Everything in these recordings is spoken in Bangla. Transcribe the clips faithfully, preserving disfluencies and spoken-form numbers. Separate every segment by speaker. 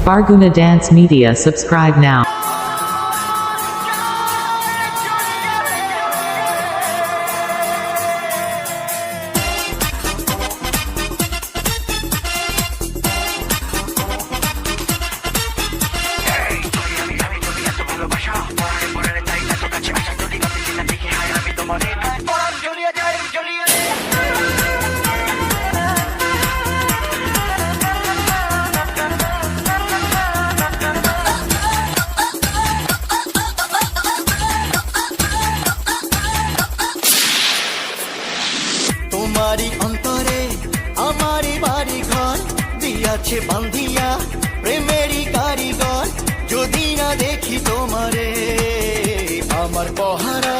Speaker 1: Barguna Dance Media. Subscribe now.
Speaker 2: তোমারি অন্তরে আমারি বাড়ি ঘর দিয়াছে বান্ধিয়া প্রেমেরই কারিগর যদি না দেখি তোমারে আমার পহারা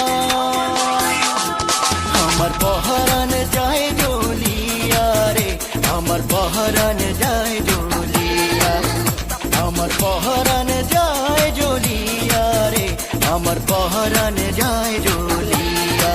Speaker 2: আমার পহারান যায় জ্বলিয়া রে আমার পহারান যায় জ্বলিয়া আমার পহারান যায় জ্বলিয়া রে আমার পহারান যায় জ্বলিয়া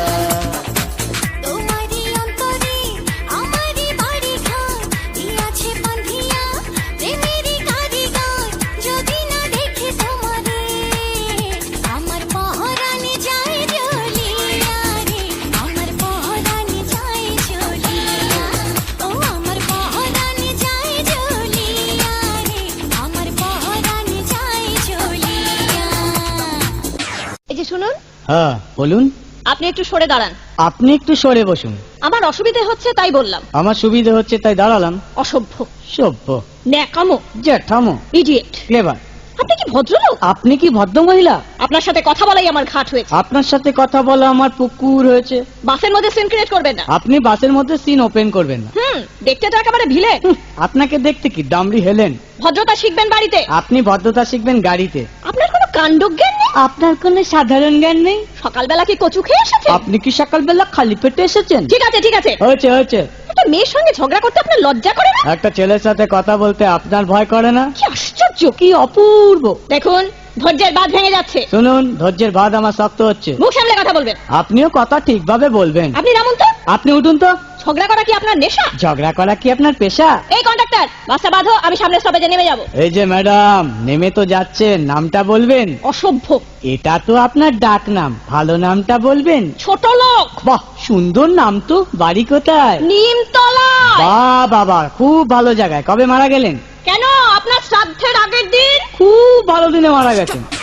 Speaker 3: শুনুন।
Speaker 4: হ্যাঁ বলুন।
Speaker 3: আপনি একটু সরে দাঁড়ান।
Speaker 4: আপনি একটু সরে বসুন।
Speaker 3: আমার অসুবিধা হচ্ছে তাই বললাম।
Speaker 4: আমার সুবিধা হচ্ছে তাই দাঁড়ালাম।
Speaker 3: অসভ্য,
Speaker 4: সভ্য,
Speaker 3: ন্যাকামো,
Speaker 4: জ্যাঠামো,
Speaker 3: ইডিয়েট।
Speaker 4: ক্লেভার।
Speaker 3: আপনি কি ভদ্রলোক?
Speaker 4: আপনি কি ভদ্র মহিলা?
Speaker 3: আপনার সাথে কথা বলাই আমার ঘাট হয়েছে।
Speaker 4: আপনার সাথে কথা বলা আমার পুকুর হয়েছে।
Speaker 3: বাসের মধ্যে সিন ক্রিয়েট করবেন না।
Speaker 4: আপনি বাসের মধ্যে সিন ওপেন করবেন না।
Speaker 3: হুম, দেখতে তো একেবারে ভিলে।
Speaker 4: আপনাকে দেখতে কি দামড়ি হেলেন?
Speaker 3: ভদ্রতা শিখবেন বাড়িতে।
Speaker 4: আপনি ভদ্রতা শিখবেন গাড়িতে।
Speaker 3: আপনার কোনো কাণ্ডজ্ঞান নেই।
Speaker 4: আপনার কোনো সাধারণ জ্ঞান নেই।
Speaker 3: সকালবেলা কি কচু খেয়ে এসেছেন?
Speaker 4: আপনি কি সকালবেলা খালি পেটে এসেছেন?
Speaker 3: ঠিক আছে ঠিক আছে,
Speaker 4: হয়েছে হয়েছে।
Speaker 3: একটা মেয়ের সঙ্গে ঝগড়া করতে আপনার লজ্জা করে না?
Speaker 4: একটা ছেলের সাথে কথা বলতে আপনার ভয় করে না?
Speaker 3: কি আশ্চর্য,
Speaker 4: কি অপূর্ব।
Speaker 3: দেখুন ধৈর্যের বাঁধ ভেঙে যাচ্ছে।
Speaker 4: শুনুন, ধৈর্যের বাঁধ আমার শক্ত হচ্ছে।
Speaker 3: মুখ সামলে কথা বলবেন।
Speaker 4: আপনিও কথা ঠিকভাবে বলবেন।
Speaker 3: আপনি নামুন তো।
Speaker 4: আপনি উঠুন তো।
Speaker 3: ঝগড়া করা কি আপনার নেশা?
Speaker 4: ঝগড়া করা কি আপনার পেশা?
Speaker 3: এই কন্ডাক্টর, বাসটা বাঁধো, আমি সামনে স্টপেজে নেমে যাব।
Speaker 4: এই যে ম্যাডাম, নেমে তো যাচ্ছেন, নামটা বলবেন।
Speaker 3: অসভ্য।
Speaker 4: এটা তো আপনার ডাক নাম, ভালো নামটা বলবেন।
Speaker 3: ছোট লোক।
Speaker 4: বাহ, সুন্দর নাম তো। বাড়ি কোথায়?
Speaker 3: নিমতলা।
Speaker 4: বাহ বাবা, খুব ভালো জায়গায়। কবে মারা গেলেন?
Speaker 3: কেন, আপনার শ্রাদ্ধের আগের দিন।
Speaker 4: খুব ভালো দিনে মারা গেছেন।